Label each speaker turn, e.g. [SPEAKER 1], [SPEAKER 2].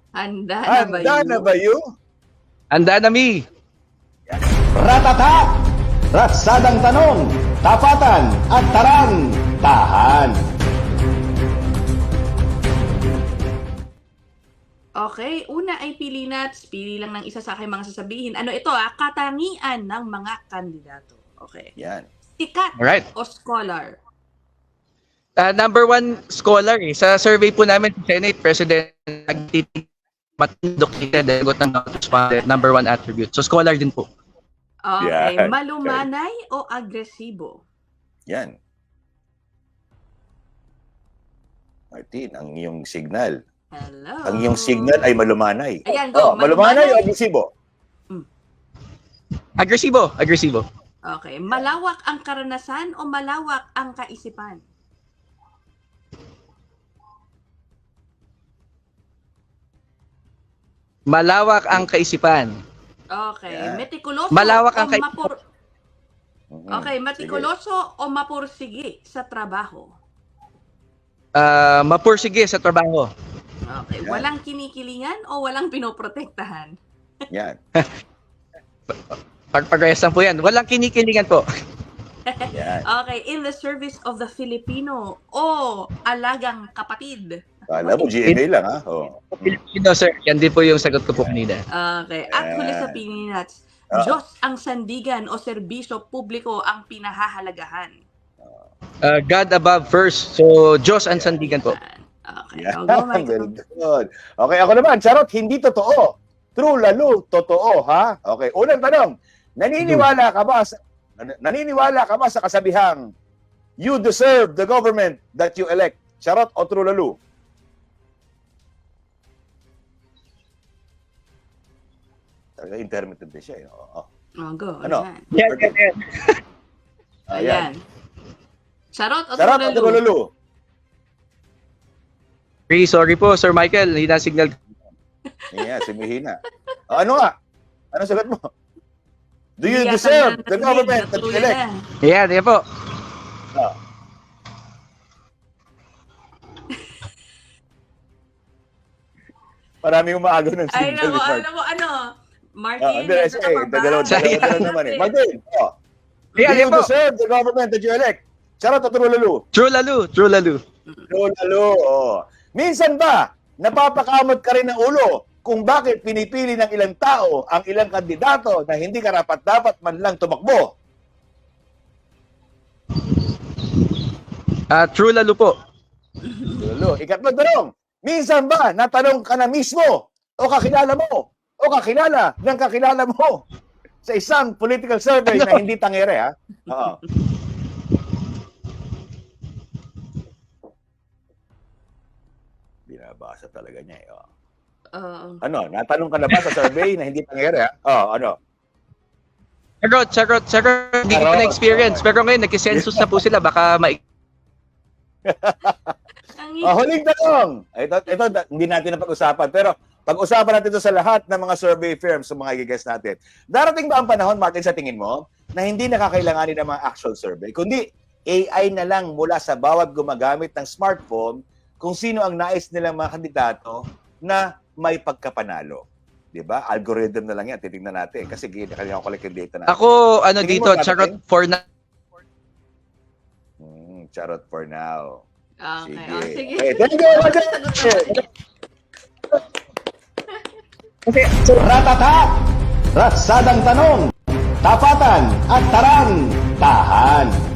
[SPEAKER 1] Handa na ba
[SPEAKER 2] Handa na ba you?
[SPEAKER 3] Handa na mi.
[SPEAKER 4] Ratata! Ratsadang tanong, tapatan at tarang, tahan.
[SPEAKER 1] Okay, una ay pili lang ng isa sa aking mga sasabihin. Ano ito katangian ng mga kandidato. Okay.
[SPEAKER 2] Yan.
[SPEAKER 1] Sikat
[SPEAKER 3] Alright.
[SPEAKER 1] o scholar?
[SPEAKER 3] Number one scholar Sa survey po namin sa Senate, President nagtitig matindok ng number one attribute. So scholar din po.
[SPEAKER 1] Okay,
[SPEAKER 2] Yan.
[SPEAKER 1] malumanay o agresibo?
[SPEAKER 2] Yan. Martin, ang iyong signal.
[SPEAKER 1] Hello.
[SPEAKER 2] Ang iyong signal ay malumanay.
[SPEAKER 1] Ayan, go.
[SPEAKER 2] Malumanay o agresibo?
[SPEAKER 3] Agresibo. Agresibo.
[SPEAKER 1] Okay, malawak ang karanasan o malawak ang kaisipan?
[SPEAKER 3] Malawak ang kaisipan.
[SPEAKER 1] Okay,
[SPEAKER 2] Yan.
[SPEAKER 1] metikuloso
[SPEAKER 3] Malawak ang
[SPEAKER 1] o Okay, metikuloso o mapursige sa trabaho?
[SPEAKER 3] Mapursige sa trabaho.
[SPEAKER 1] Okay,
[SPEAKER 2] Yan.
[SPEAKER 1] walang kinikilingan o walang pinoprotektahan?
[SPEAKER 2] Yan.
[SPEAKER 3] Pag-progress lang po yan. Walang kinikilingan po.
[SPEAKER 2] Yan.
[SPEAKER 1] Okay, in the service of the Filipino o alagang kapatid?
[SPEAKER 2] Kala mo, GMA lang, ha? Oh.
[SPEAKER 3] Filipino, sir. Yan din po yung sagot ko po kanina.
[SPEAKER 1] Okay, at huli sa pininats, Diyos ang sandigan o serbisyo publiko ang pinahahalagahan?
[SPEAKER 3] God above first. So, Diyos ang sandigan po.
[SPEAKER 1] Okay,
[SPEAKER 2] Yan.
[SPEAKER 1] I'll go, Michael.
[SPEAKER 2] Very good. Okay, ako naman. Charot, hindi totoo. True, lalo, totoo, ha? Okay, unang tanong. Naniniwala ka ba sa kasabihang you deserve the government that you elect? Charot o true, lalo? Talaga intermittent din siya. Oo.
[SPEAKER 1] Oh, go.
[SPEAKER 2] Ano?
[SPEAKER 1] Ayan.
[SPEAKER 3] Yan.
[SPEAKER 1] Ayan. Charot o
[SPEAKER 2] Charot o true,
[SPEAKER 1] tulalo?
[SPEAKER 2] lalo?
[SPEAKER 3] Sorry po, Sir Michael. Hindi na signal.
[SPEAKER 2] Yeah, sumihina. Ano nga? Ano sagot mo? Do you
[SPEAKER 1] Bigyan
[SPEAKER 2] deserve
[SPEAKER 1] ka na
[SPEAKER 2] the
[SPEAKER 1] ng
[SPEAKER 2] government that you
[SPEAKER 1] natuloy
[SPEAKER 2] elect?
[SPEAKER 1] na.
[SPEAKER 3] Yan, yan po.
[SPEAKER 2] Ah. Maraming umaagaw ng
[SPEAKER 1] Ay,
[SPEAKER 2] signal.
[SPEAKER 1] nako,
[SPEAKER 2] Mark.
[SPEAKER 1] alam mo, Martin,
[SPEAKER 2] Hindi, sige, dalawa na naman eh. Martin, do
[SPEAKER 3] Yan,
[SPEAKER 2] you
[SPEAKER 3] yan po.
[SPEAKER 2] deserve the government that you elect? Charot o true, lalo?
[SPEAKER 3] True lalo. True lalo.
[SPEAKER 2] True, lalo. Oh. Minsan ba, napapakamot ka rin ng ulo kung bakit pinipili ng ilang tao ang ilang kandidato na hindi karapat-dapat man lang tumakbo?
[SPEAKER 3] True lalo po.
[SPEAKER 2] True, lalo. Ikatlong tanong, minsan ba natanong ka na mismo o kakilala ng kakilala mo sa isang political survey na hindi tangere, ha? Oo. Binabasa talaga niya, eh. Oh. Ano, natanong ka na ba sa survey na hindi tangere, ha? Oh, ano?
[SPEAKER 3] Charot. Hindi ko na experience. Pero ngayon, nagkisensus na po sila. Baka
[SPEAKER 2] Huling tanong. Ito, hindi natin napag-usapan. Pero pag-usapan natin ito sa lahat ng mga survey firms sa mga i-guess natin. Darating ba ang panahon, Martin, sa tingin mo, na hindi nakakailanganin ng mga actual survey, kundi AI na lang mula sa bawat gumagamit ng smartphone kung sino ang nais nilang mga kandidato na may pagkapanalo. Diba? Algorithm na lang yan. Titignan natin. Kasi kailangan collect yung data natin.
[SPEAKER 3] Ako,
[SPEAKER 2] Tingin
[SPEAKER 3] dito,
[SPEAKER 2] mo,
[SPEAKER 3] charot
[SPEAKER 2] Martin?
[SPEAKER 3] for na.
[SPEAKER 2] Charot for now.
[SPEAKER 1] Okay.
[SPEAKER 2] Sige.
[SPEAKER 1] Oh, sige.
[SPEAKER 2] Okay, thank you, Martin.
[SPEAKER 4] Ratata! Ratsadang tanong, tapatan at tarang, tahan.